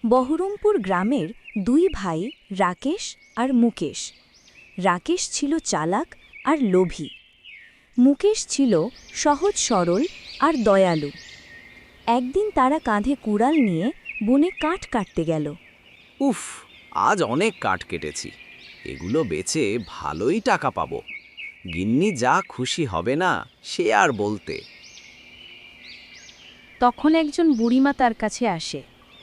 বহরমপুর গ্রামের দুই ভাই রাকেশ আর মুকেশ। রাকেশ ছিল চালাক আর লোভী। মুকেশ ছিল সহজ সরল আর দয়ালু। একদিন তারা কাঁধে কুড়াল নিয়ে বনে কাঠ কাটতে গেল। উফ, আজ অনেক কাঠ কেটেছি। এগুলো বেচে ভালোই টাকা পাবো। গিন্নি যা খুশি হবে না সে আর বলতে। তখন একজন বুড়িমা তার কাছে আসে।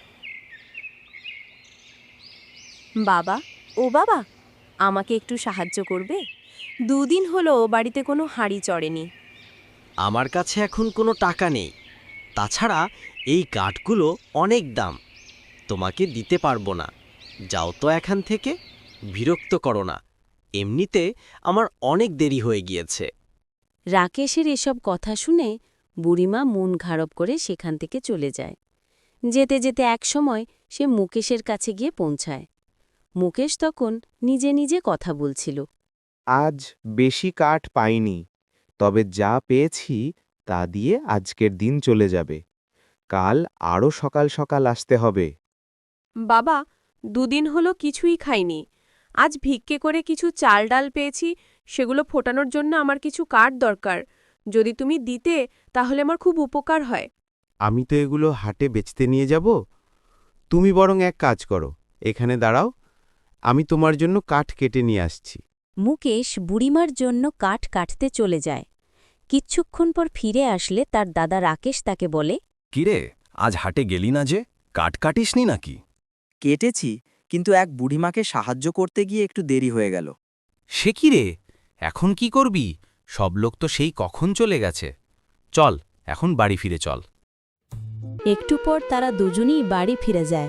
বাবা, ও বাবা, আমাকে একটু সাহায্য করবে? দুদিন হলো বাড়িতে কোনো হাঁড়ি চড়েনি। আমার কাছে এখন কোনো টাকা নেই। তাছাড়া এই কাঠগুলো অনেক দাম, তোমাকে দিতে পারবো না। যাও তো এখান থেকে, বিরক্ত করো না। এমনিতে আমার অনেক দেরি হয়ে গিয়েছে। রাকেশের এসব কথা শুনে বুড়িমা মন খারাপ করে সেখান থেকে চলে যায়। যেতে যেতে একসময় সে মুকেশের কাছে গিয়ে পৌঁছায়। মুকেশ তখন নিজে নিজে কথা বলছিল। আজ বেশি কাঠ পাইনি, তবে যা পেয়েছি তা দিয়ে আজকের দিন চলে যাবে। কাল আরও সকাল সকাল আসতে হবে। বাবা, দুদিন হলো কিছুই খাইনি। আজ ভিক্ষে করে কিছু চাল ডাল পেয়েছি, সেগুলো ফোটানোর জন্য আমার কিছু কাঠ দরকার। যদি তুমি দিতে তাহলে আমার খুব উপকার হয়। আমি তো এগুলো হাটে বেচতে নিয়ে যাব। তুমি বরং এক কাজ করো, এখানে দাঁড়াও, আমি তোমার জন্য কাঠ কেটে নিয়ে আসছি। মুকেশ বুড়িমার জন্য কাঠ কাটতে চলে যায়। কিচ্ছুক্ষণ পর ফিরে আসলে তার দাদা রাকেশ তাকে বলে, কিরে, আজ হাটে গেলি না যে? কাঠ কাটিসনি নাকি? কেটেছি, কিন্তু এক বুড়িমাকে সাহায্য করতে গিয়ে একটু দেরি হয়ে গেল। সে কি রে, এখন কি করবি? সব লোক তো সেই কখন চলে গেছে। চল, এখন বাড়ি ফিরে চল। একটু পর তারা দুজনেই বাড়ি ফিরে যায়।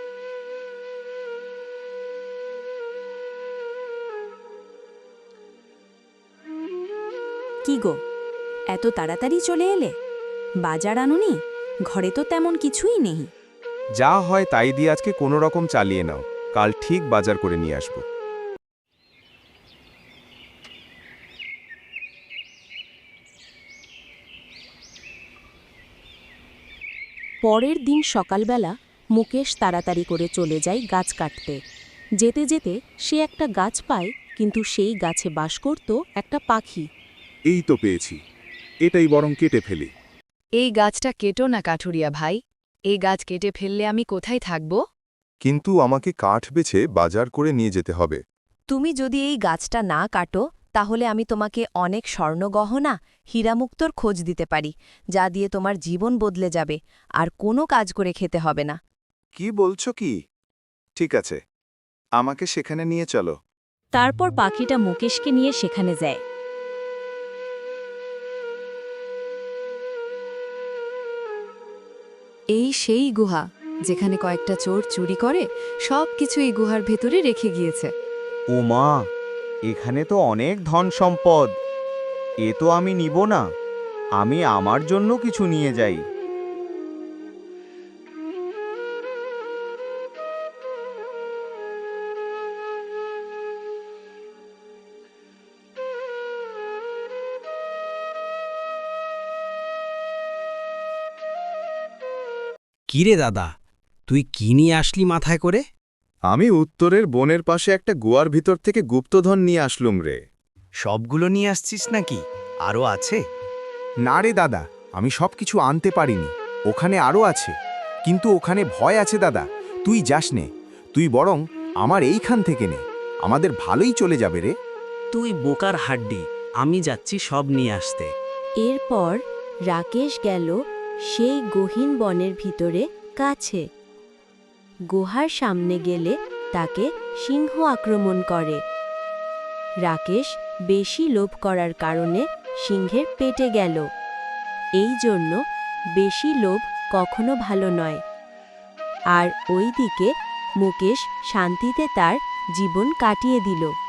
কি গো, এত তাড়াতাড়ি চলে এলে? বাজার আনুনি? ঘরে তো তেমন কিছুই নেই। যা হয় তাই দিয়ে আজকে কোনো রকম চালিয়ে নাও, কাল ঠিক বাজার করে নিয়ে আসব। পরের দিন সকালবেলা মুকেশ তাড়াতাড়ি করে চলে যায় গাছ কাটতে। যেতে যেতে সে একটা গাছ পায়, কিন্তু সেই গাছে বাস করত একটা পাখি। এই তো পেয়েছি, এটাই বরং কেটে ফেলি। এই গাছটা কেটো না কাঠুরিয়া ভাই। এই গাছ কেটে ফেললে আমি কোথায় থাকব? কিন্তু আমাকে কাঠ বেছে বাজার করে নিয়ে যেতে হবে। তুমি যদি এই গাছটা না কাটো, তাহলে আমি তোমাকে অনেক স্বর্ণগহনা, হীরামুক্তর খোঁজ দিতে পারি, যা দিয়ে তোমার জীবন বদলে যাবে, আর কোনো কাজ করে খেতে হবে না। কি বলছো কি? ঠিক আছে, আমাকে সেখানে নিয়ে চলো। তারপর পাখিটা মুকেশকে নিয়ে সেখানে যায়। এই সেই গুহা, যেখানে কয়েকটা চোর চুরি করে সব কিছু এই গুহার ভেতরে রেখে গিয়েছে। ও মা, এখানে তো অনেক ধন সম্পদ। এ তো আমি নিব না, আমি আমার জন্য কিছু নিয়ে যাই। কিরে দাদা, তুই কি নিয়ে আসলি মাথায় করে? আমি উত্তরের বনের পাশে একটা গুয়ার ভিতর থেকে গুপ্তধন নিয়ে আসলুম রে। সবগুলো নিয়ে আসছিস নাকি? আরও আছে? না রে দাদা, আমি সব কিছু আনতে পারিনি। ওখানে আরও আছে, কিন্তু ওখানে ভয় আছে দাদা। তুই যাস নে, তুই বরং আমার এইখান থেকে নে, আমাদের ভালোই চলে যাবে রে। তুই বোকার হাড্ডি, আমি যাচ্ছি সব নিয়ে আসতে। এরপর রাকেশ গেল সেই গহীন বনের ভিতরে কাছে। গুহার সামনে গেলে তাকে সিংহ আক্রমণ করে। রাকেশ বেশি লোভ করার কারণে সিংহের পেটে গেল। এই জন্য বেশি লোভ কখনো ভালো নয়। আর ওইদিকে মুকেশ শান্তিতে তার জীবন কাটিয়ে দিল।